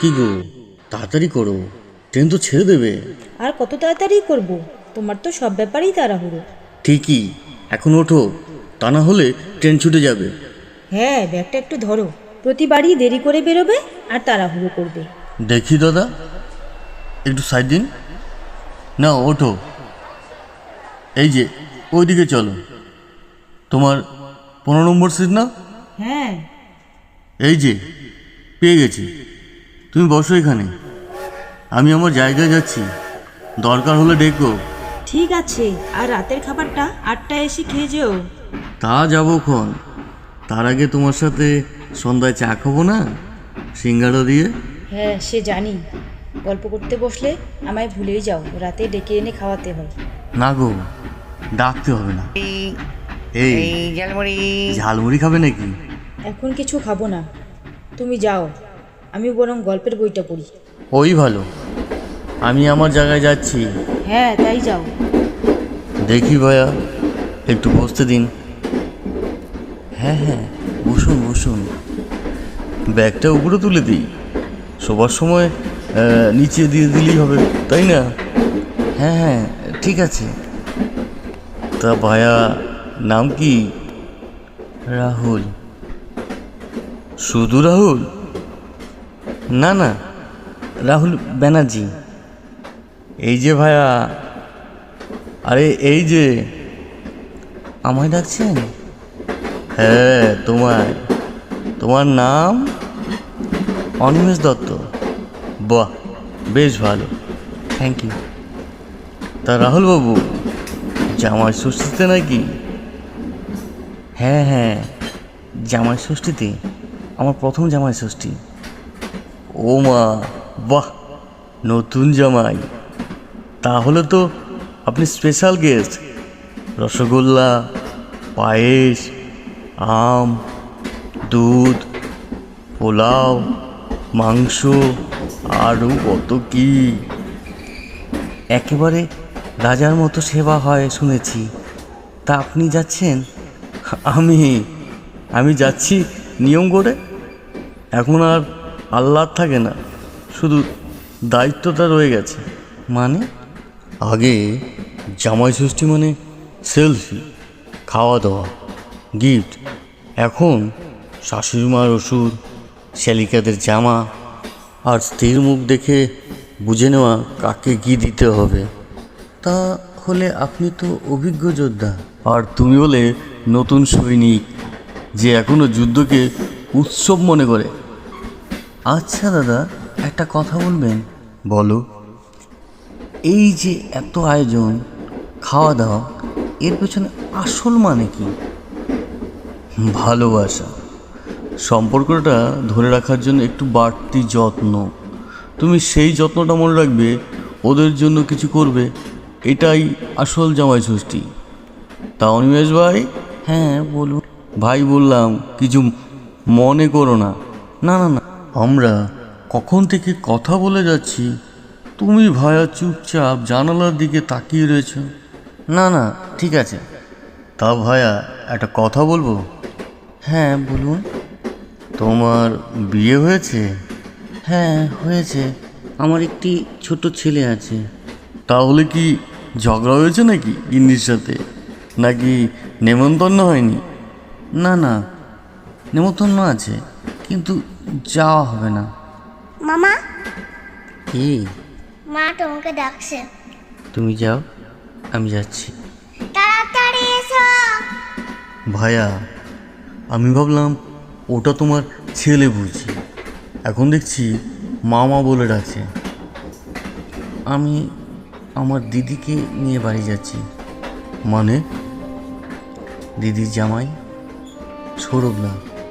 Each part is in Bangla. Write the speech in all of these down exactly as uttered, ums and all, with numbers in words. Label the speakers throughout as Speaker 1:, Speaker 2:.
Speaker 1: কি গো, তাড়াতাড়ি করো, ট্রেন তো ছেড়ে দেবে।
Speaker 2: আর কত তাড়াতাড়ি করব, তোমার তো সব ব্যাপারেই তাড়াহুড়ো।
Speaker 1: ঠিকই, এখন ওঠো, তা না হলে ট্রেন ছুটে যাবে।
Speaker 2: হ্যাঁ, ব্যাগটা একটু ধরো, প্রতিবারই দেরি করে বেরোবে আর তাড়াহুড়ো করবে।
Speaker 1: দেখি দাদা, একটু সাইড দিন। না ওঠো, এই যে ওইদিকে চলো। তোমার পনেরো নম্বর সিট না?
Speaker 2: হ্যাঁ।
Speaker 1: এই যে পেয়ে গেছি, তুমি বসো এখানে, আমি আমার জায়গায় যাচ্ছি, দরকার হলে ডেকো।
Speaker 2: ঠিক আছে, আর রাতের খাবারটা আটটায় এসে খেয়ে যেও।
Speaker 1: তা যাবো ক্ষণ, তার আগে তোমার সাথে সন্ধ্যায় চা খাবো না, সিঙ্গাড়া দিয়ে।
Speaker 2: হ্যাঁ, সে জানি, গল্প করতে বসলে আমায় ভুলেই যাও, রাতে ডেকে এনে খাওয়াতে হয়।
Speaker 1: না গো, ডাকতে হবে না। এই
Speaker 3: ঝালমুড়ি।
Speaker 1: ঝালমুড়ি খাবে নাকি?
Speaker 2: এখন কিছু খাবো না, তুমি যাও, আমি বরং গল্পের বইটা পড়ি।
Speaker 1: ওই ভালো, আমি আমার জায়গায় যাচ্ছি।
Speaker 2: হ্যাঁ, তাই যাও।
Speaker 1: দেখি ভাইয়া, একটু বসতে দিন। হ্যাঁ হ্যাঁ, বসুন বসুন, ব্যাগটা উপরে তুলে দিই, শোবার সময় আহ, নিচে দিয়ে দিলেই হবে, তাই না? হ্যাঁ হ্যাঁ, ঠিক আছে। তা ভাইয়া, নাম কি? রাহুল। শুধু রাহুল? না না, রাহুল ব্যানার্জি। এই যে ভাইয়া, আরে এই যে, আমায় ডাকছেন? হ্যাঁ তোমায়। তোমার নাম? অনিমেষ দত্ত। বাহ, বেশ ভালো, থ্যাংক ইউ। তা রাহুল বাবু, জামাই ষষ্ঠীতে নাকি? হ্যাঁ হ্যাঁ, জামাই ষষ্ঠীতে, আমার প্রথম জামাই ষষ্ঠী। ও মা, বাহ, নতুন জামাই, তাহলে তো আপনি স্পেশাল গেস্ট। রসগোল্লা, পায়েস, আম, দুধ, পোলাও, মাংস, আরও কত কি। একেবারে রাজার মতো সেবা হয় শুনেছি। তা আপনি যাচ্ছেন? আমি আমি যাচ্ছি নিয়ম করে। এখন আর আহ্লাদ থাকে না, শুধু দায়িত্বটা রয়ে গেছে। মানে? আগে জামাই ষষ্ঠী মানে সেলফি, খাওয়া দাওয়া, গিফট। এখন শাশুড়ি মার ওষুধ, শ্যালিকাদের জামা, আর স্ত্রীর মুখ দেখে বুঝে নেওয়া কাকে কী দিতে হবে। তা হলে আপনি তো অভিজ্ঞ যোদ্ধা, আর তুমি বলে নতুন সৈনিক যে এখনও যুদ্ধকে উৎসব মনে করে। আচ্ছা দাদা, একটা কথা বলবেন? বলো। এই যে এত আয়োজন, খাওয়া দাওয়া, এর পেছনে আসল মানে কি? ভালোবাসা। সম্পর্কটা ধরে রাখার জন্য একটু বাড়তি যত্ন। তুমি সেই যত্নটা মনে রাখবে, ওদের জন্য কিছু করবে, এটাই আসল জামাই ষষ্ঠী। তা অনিমেষ ভাই? হ্যাঁ বলুন। ভাই বললাম, কিছু মনে করো না। না না না, আমরা কখন থেকে কথা বলে যাচ্ছি, তুমি ভায়া চুপচাপ জানালার দিকে তাকিয়ে রয়েছ। না না, ঠিক আছে। তা ভায়া, একটা কথা বলবো? হ্যাঁ বলুন। তোমার বিয়ে হয়েছে? হ্যাঁ হয়েছে, আমার একটি ছোট ছেলে আছে। তাহলে কি ঝগড়া হয়েছে নাকি গিন্নির সাথে, নাকি নেমন্তন্ন হয়নি? না না, নেমন্তন্ন আছে, কিন্তু যাওয়া হবে না।
Speaker 4: মামা,
Speaker 1: কি?
Speaker 4: মা তোমাকে ডাকছে।
Speaker 1: তুমি যাও, আমি যাচ্ছি।
Speaker 4: তাড়াতাড়ি এসো।
Speaker 1: ভাইয়া, আমি ভাবলাম ওটা তোমার ছেলে বুঝি, এখন দেখছি মামা বলে ডাকছে। আমি আমার দিদিকে নিয়ে বাড়ি যাচ্ছি। মানে? দিদির জামাই সৌরভ না,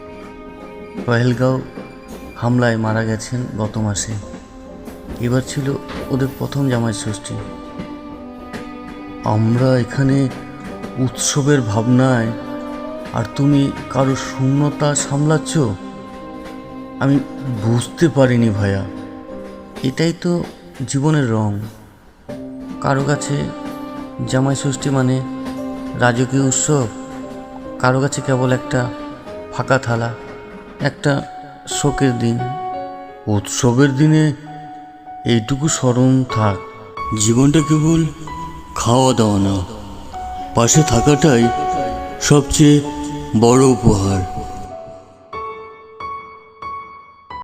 Speaker 1: পহেলগাঁও হামলায় মারা গেছেন গত মাসে। এবার ছিল ওদের প্রথম জামাই ষষ্ঠী। আমরা এখানে উৎসবের ভাবনায়, আর তুমি কারো শূন্যতা সামলাচ্ছ। আমি বুঝতে পারিনি ভাইয়া, এটাই তো জীবনের রং। কারো কাছে জামাই ষষ্ঠী মানে রাজকীয় উৎসব, কারো কাছে কেবল একটা ফাঁকা থালা, একটা শোকের দিন। উৎসবের দিনে এইটুকু স্মরণ থাক। জীবনটা কেবল খাওয়া দাওয়া না, পাশে থাকাটাই সবচেয়ে বড় উপহার।